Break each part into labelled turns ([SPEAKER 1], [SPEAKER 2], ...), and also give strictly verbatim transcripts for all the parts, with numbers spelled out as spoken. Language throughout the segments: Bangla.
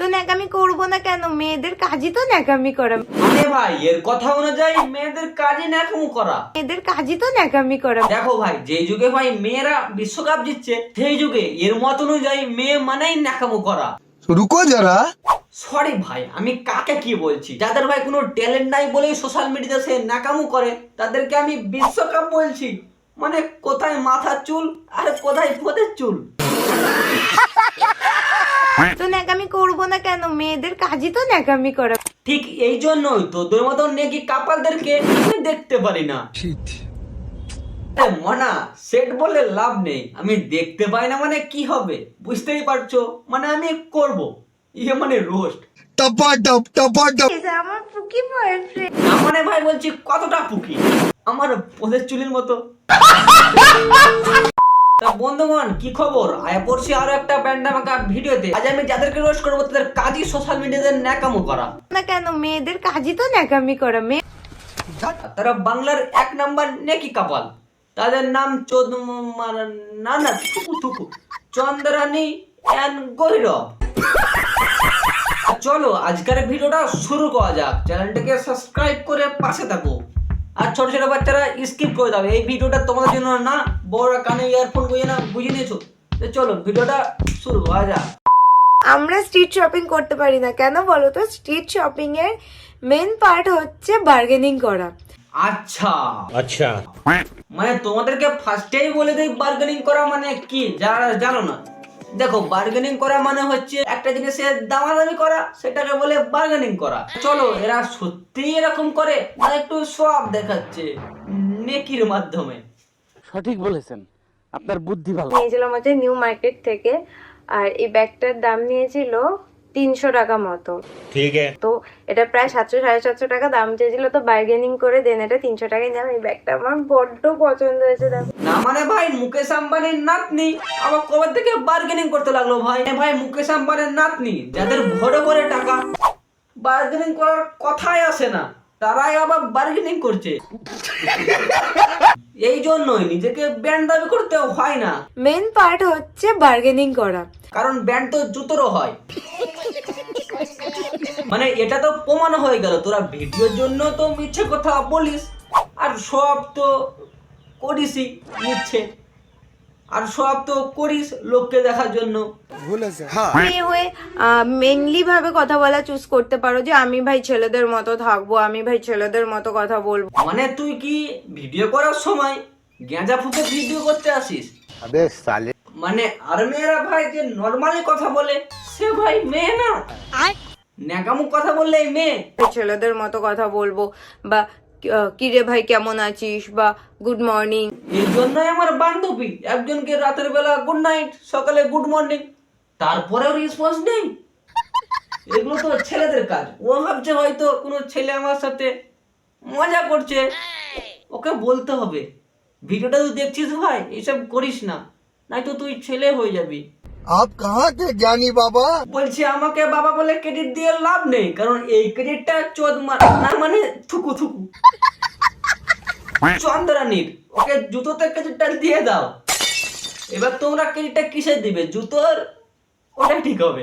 [SPEAKER 1] তো ন্যাকামি করবো না কেন? মেয়েদের কাজই তো ন্যাকামি করা।
[SPEAKER 2] আরে ভাই এর কথা অনুযায়ী মেয়েদের কাজই ন্যাকামো করা।
[SPEAKER 1] মেয়েদের কাজই তো ন্যাকামি করা।
[SPEAKER 2] দেখো ভাই, যে যুগে ভাই মেয়েরা বিশ্বকাপ জিতছে সেই যুগে এর মত অনুযায়ী মেয়ে মানেই ন্যাকামো করা।
[SPEAKER 3] রুকো যারা।
[SPEAKER 2] সরি ভাই, আমি কাকে কি বলছি? যাদের ভাই কোনো ট্যালেন্ট নাই বলেই সোশ্যাল মিডিয়াতে সে ন্যাকামো করে তাদেরকে আমি বিশ্বকাপ বলছি। মানে কোথায় মাথার চুল আর কোথায় ফোদের চুল।
[SPEAKER 1] তো ন্যাকামি করবো না কেন? মেয়েদের কাজই তো ন্যাকামি করা।
[SPEAKER 2] ঠিক এই জন্যই তোদের মতন নেকি কাপালদেরকে আমি দেখতে পারি না। আরে মনা, সেট বলে লাভ নেই। আমি দেখতে পাই না মানে কি হবে বুঝতেই পারছো। মানে আমি করব ইয়ে মানে রোস্ট।
[SPEAKER 3] টপাটপ টপাটপ।
[SPEAKER 1] আমার পুকি বয়ফ্রেন্ড।
[SPEAKER 2] না মানে ভাই বলছি কতটা পুকি, আমার পোদের চুলের মতো। তা বন্ধুগণ কি খবর? আয়া পড়ছি আরো একটা প্যান্ডামাকা ভিডিওতে। আজ আমি যাদেরকে রোস্ট করবো তাদের কাজই সোশ্যাল মিডিয়াতে ন্যাকামো করা।
[SPEAKER 1] না কেন? মেয়েদের কাজই তো ন্যাকামি করা। মেয়ে
[SPEAKER 2] তারা বাংলার এক নাম্বার নেকি কাপাল। তাদের নাম চোদ না না থুকু থুকু চন্দ্রানী এন্ড গৈরব। চলো আজকের ভিডিওটা শুরু করা যাক। চ্যানেলটাকে সাবস্ক্রাইব করে পাশে থাকো। আর ছোট ছোট বাচ্চারা স্কিপ করে দাও, এই ভিডিওটা তোমাদের জন্য না। বড়রা কানে ইয়ারফোন বুঝে না, বুঝে নিয়েছো? তো চলো ভিডিওটা শুরু করা যাক।
[SPEAKER 1] আমরা স্ট্রিট শপিং করতে পারি না কেন বলো তো? স্ট্রিট শপিং এর মেন পার্ট হচ্ছে বার্গেনিং করা।
[SPEAKER 2] আচ্ছা
[SPEAKER 4] আচ্ছা,
[SPEAKER 2] মানে তোমাদেরকে ফার্স্টেই বলে দেই বার্গেনিং করা মানে কি, যারা জানো না। দেখো, বার্গেনিং করা মানে হচ্ছে একটা জিনিসের দামাদামি করা, সেটাকে বলে বার্গেনিং করা। চলো এরা সত্যি এরকম করে না একটু সব দেখাচ্ছে নেকির মাধ্যমে?
[SPEAKER 5] সঠিক বলেছেন, আপনার বুদ্ধি ভালো।
[SPEAKER 1] নিয়েছিলাম হচ্ছে নিউ মার্কেট থেকে, আর এই ব্যাগটার দাম নিয়েছিল তিনশো টাকা মতো।
[SPEAKER 4] ঠিক আছে।
[SPEAKER 1] তো এটা প্রায় সাতশো সাড়ে সাতশো টাকা দাম চেয়েছিল, তো বার্গেনিং করে দেন এটা তিনশো টাকায় নিলাম। এই ব্যাগটা আমার বড্ড পছন্দ হয়েছে।
[SPEAKER 2] না মানে ভাই মুকেশ আম্বানির নাতনি আবার কবে থেকে বার্গেনিং করতে লাগলো ভাই? ভাই মুকেশ আম্বানির নাতনি যাদের ভরে ভরে টাকা, বার্গেনিং করার কথাই আসে না, তারাই আবার বার্গেনিং করছে। এই জন্যই নিজেকে ব্র্যান্ড দাবি করতে হয় না।
[SPEAKER 1] মেন পার্ট হচ্ছে বার্গেনিং করা।
[SPEAKER 2] কারণ ব্র্যান্ড তো জুতোরও হয়। মানে এটা তো প্রমাণ হয়ে গেল তোরা ভিডিওর জন্য তো মিথ্যে কথা বলিস, আর সব তো করিসই মিথ্যে, আর সব তো করিস লোককে দেখার জন্য।
[SPEAKER 1] মেয়ে হয়ে মেনলি ভাবে কথা বলা চুজ করতে পারো, যে আমি ভাই ছেলেদের মতো থাকবো, আমি ভাই ছেলেদের মতো কথা বলবো।
[SPEAKER 2] মানে তুই কি ভিডিও করার সময় গেঁজা ফুকে ভিডিও করতে আসিস?
[SPEAKER 3] আবে সালে।
[SPEAKER 2] মানে আর মেয়েরা ভাই যে নর্মালি কথা বলে সে ভাই মেয়ে না, ন্যাকামুক কথা বললেই মেয়ে।
[SPEAKER 1] ছেলেদের মতো কথা বলবো, বা কিরে ভাই কেমন আছিস, বা গুড মর্নিং।
[SPEAKER 2] এই জন্যই আমার বান্ধবী একজনকে রাতের বেলা গুড নাইট, সকালে গুড মর্নিং, তারপরেও রেসপন্স নেই। এগুলো তো ছেলেদের কাজ। ও ভাবছে হয়তো কোনো ছেলে আমার সাথে মজা করছে, ওকে বলতে হবে ভিডিওটা তুই দেখছিস ভাই এইসব করিস না, নয়তো তুই ছেলে হয়ে যাবি।
[SPEAKER 3] আপ কাহা কে জ্ঞানী বাবা?
[SPEAKER 2] বলছি আমাকে বাবা বলে ক্রেডিট দিয়ে লাভ নেই, কারণ এই ক্রেডিটটা চোদ মার না মানে থুকু থুকু চন্দ্রানীর। ওকে জুতোতে ক্রেডিটটা দিয়ে দাও। এবার তোমরা ক্রেডিটটা কিসে দিবে? জুতোর, ওটা ঠিক হবে।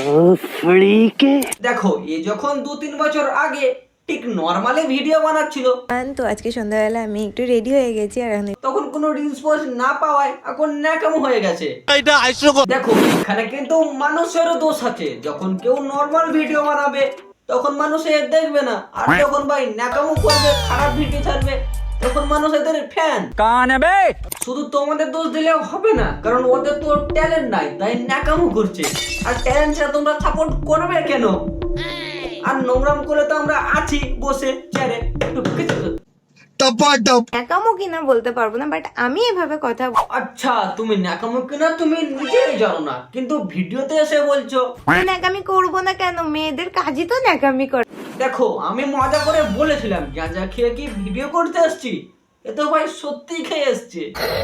[SPEAKER 2] দেখো এ যখন দু তিন বছর আগে ঠিক নরমালি ভিডিও বানাচ্ছিল,
[SPEAKER 1] তো আজকে সন্ধ্যাবেলা আমি একটু রেডি হয়ে গেছি, আর এখন
[SPEAKER 2] তখন কোনো রেসপন্স না পাওয়ায় এখন ন্যাকামো হয়ে গেছে। দেখো এখানে কিন্তু মানুষেরও দোষ আছে। যখন কেউ নরমাল ভিডিও বানাবে তখন মানুষ এর দেখবে না, আর যখন ভাই ন্যাকামো করবে, খারাপ ভিডিও ছাড়বে, তখন মানুষ এদের ফ্যান। শুধু তোমাদের দোষ দিলেও হবে না, কারণ ওদের তো ট্যালেন্ট নাই তাই ন্যাকামো করছে। আর ট্যালেন্ট ছাড়া তোমরা সাপোর্ট করবে কেন? আর নোংরাম করে তো আমরা আছি বসে চেয়ারে একটু কিছু।
[SPEAKER 3] টপাটপ।
[SPEAKER 1] ন্যাকামো কিনা বলতে পারবো না, বাট আমি এভাবে কথা
[SPEAKER 2] আচ্ছা তুমি ন্যাকামো কিনা তুমি নিজেই জানো না, কিন্তু ভিডিওতে এসে বলছো।
[SPEAKER 1] ন্যাকামি করবো না কেন? মেয়েদের কাজই তো ন্যাকামি করা।
[SPEAKER 2] দেখো আমি মজা করে বলেছিলাম গাঁজা খেয়ে কি ভিডিও করতে আসছি, এ তো ভাই সত্যি খেয়ে এসছে।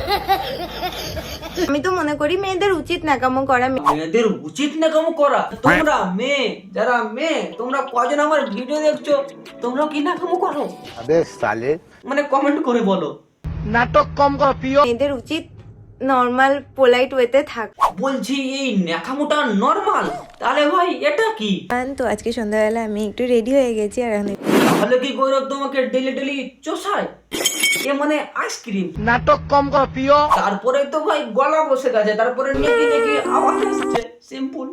[SPEAKER 1] আমি তো মনে করি মেয়েদের উচিত ন্যাকামো করা।
[SPEAKER 2] মেয়েদের উচিত ন্যাকামো করা? তোমরা মেয়ে, যারা মেয়ে তোমরা কজন আমার ভিডিও দেখছো, তোমরা কি ন্যাকামো করো?
[SPEAKER 3] আবে সালে।
[SPEAKER 2] মানে কমেন্ট করে বলো।
[SPEAKER 3] নাটক কম কর প্রিয়।
[SPEAKER 1] মেয়েদের উচিত নর্মাল পোলাইট ওয়েতে থাক।
[SPEAKER 2] বলছি এই ন্যাকামোটা নরমাল? তাহলে ভাই এটা কি?
[SPEAKER 1] তো আজকে সন্ধ্যাবেলা আমি একটু রেডি হয়ে গেছি আর আমি
[SPEAKER 2] তাহলে কি গৌরব তোমাকে ডেলি ডেলি চোষায়? এ মানে আইসক্রিম।
[SPEAKER 3] नाटक कम करो पियो
[SPEAKER 2] তারপরে তো ভাই গলা বসে গেছে, তারপরে নেকি নেকি আওয়াজ আসছে, সিম্পল।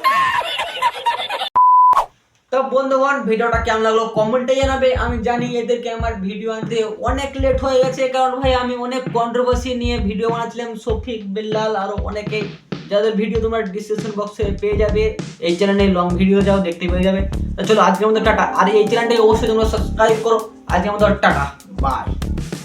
[SPEAKER 2] তো বন্ধুগণ, ভিডিওটা কেমন লাগলো কমেন্টে জানাবে। আমি জানি এদেরকে আমার ভিডিও আনতে অনেক লেট হয়ে গেছে, কারণ ভাই আমি অনেক কন্ট্রোভার্সি নিয়ে ভিডিও বানাচ্ছিলাম, শফিক বিল্লাল আরো অনেকে, যাদের ভিডিও তোমরা ডিসক্রিপশন বক্সে পেয়ে যাবে। এই চ্যানেলে লং ভিডিও যাও দেখতে পেয়ে যাবে। তো চলো আজকের মতো টাটা। আর এই চ্যানেলটাকে অবশ্যই তোমরা সাবস্ক্রাইব করো। আজকের মতো টাটা, বাই।